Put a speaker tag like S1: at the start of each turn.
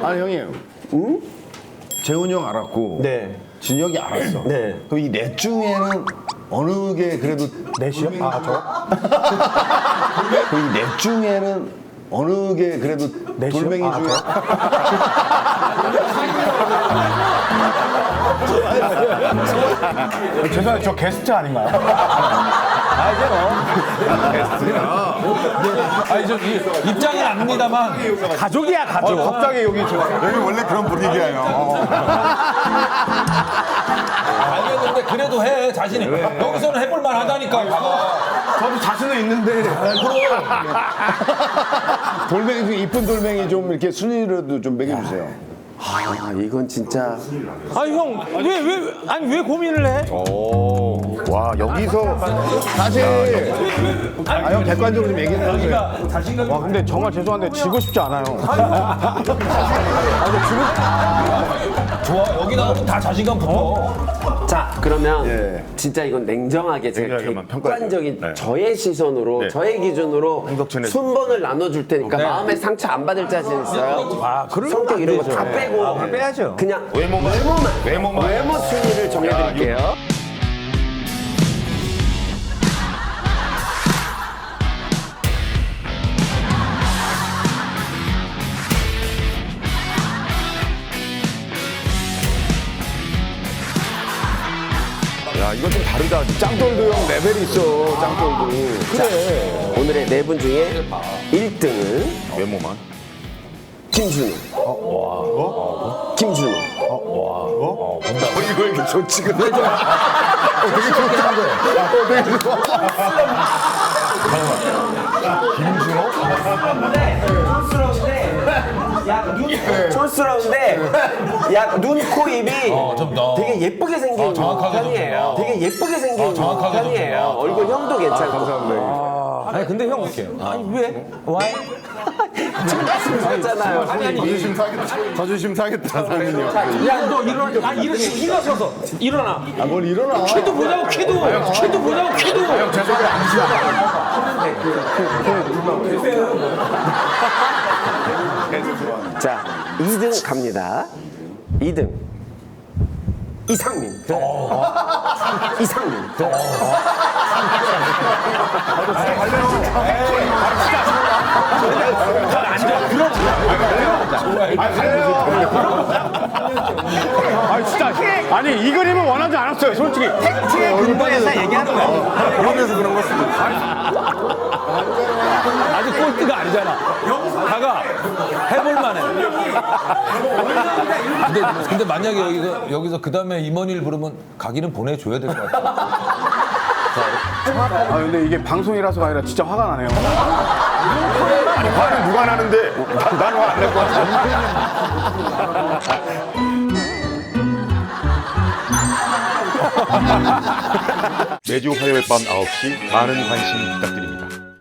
S1: 아니 형님, 응? 재훈이 형 알았고,
S2: 네.
S1: 진혁이 알았어.
S2: 네.
S1: 그럼 이 넷 중에는 어느 게 그래도
S2: 넷이요? 아, 저?
S1: 그럼 이 넷 중에는 어느 게 그래도
S2: 넷이요?
S1: 돌멩이
S2: 아,
S1: 중에
S2: 죄송해요. 저 게스트 아닌가요?
S3: 아니 저 입장은 압니다만
S2: 가족이야, 가족.
S1: 갑자기 여기 여기 원래 그런 분위기예요.
S3: 알겠는데 그래도 해 자신이 여기서는 해볼만 하다니까.
S1: 저도 자신은 있는데. 돌멩이 중에 이쁜 돌멩이 좀 이렇게 순위라도 좀 매겨주세요.
S4: 아, 이건 진짜.
S2: 아니, 형, 왜 고민을 해?
S1: 와 여기서 사실 형 객관적으로 좀 얘기해 주세요.
S2: 와, 근데 정말 죄송한데 지고 싶지 않아요.
S3: 좋아 여기 나오면 다 자신감 붙어.
S4: 자, 그러면
S1: 예.
S4: 진짜 이건 냉정하게 제가
S1: 냉정하게만
S4: 객관적인
S1: 평가할게요. 네.
S4: 저의 시선으로,
S1: 네.
S4: 저의 기준으로
S1: 행복천에서.
S4: 순번을 나눠줄 테니까 마음에 상처 안 받을 자신 있어요? 성격 이런 거 다 빼고
S2: 빼야죠.
S4: 그냥
S1: 외모만.
S4: 외모 순위를 정해드릴게요.
S1: 야 이거 좀 다르다. 짱돌도 형 레벨이 있어. 짱돌도. 그래.
S4: 오늘의 네 분 중에 1등은
S1: 외모만.
S4: 김준호. 김준호.
S1: 이거 이렇게 좋지 근데 좀. 되게 좋다. 되게 좋아.
S4: 촌스러운데 약 눈, 코, 입이
S3: 좀 더.
S4: 되게 예쁘게 생긴
S3: 정확하게 좀
S4: 편이에요.
S3: 좀 더.
S4: 되게 예쁘게 생긴
S3: 정확하게 좀
S4: 편이에요.
S3: 더.
S4: 얼굴 형도 괜찮고.
S1: 감사합니다.
S2: 아니, 근데 형, 아니, 왜? 왜?
S4: 그렇잖아요.
S1: 자존심 상했다 상민이 형.
S2: 야, 너 일어나. 아, 일어서서. 일어나.
S1: 뭘 일어나.
S2: 키도 보자고, 키도. 키도 보자고, 키도.
S4: 자, 2등 갑니다. 2등. 이상민. 이상민.
S2: 아, 진짜. 아니, 이 그림은 원하지 않았어요, 솔직히. 팩트의 근거에서 얘기하는 거야.
S1: 그래서 그런 거 쓰는
S3: 아직 꼴찌가 아니잖아. 다가 해볼만해. 근데 만약에 여기서 그 다음에 임원일 부르면 가기는 보내줘야 될 것 같아.
S2: 아, 근데 이게 방송이라서가 아니라 진짜 화가 나네요.
S1: 아니 화는 누가 나는데 난 화 안 낼 것 같아.
S5: 매주 화요일 밤 9시 많은 관심 부탁드립니다.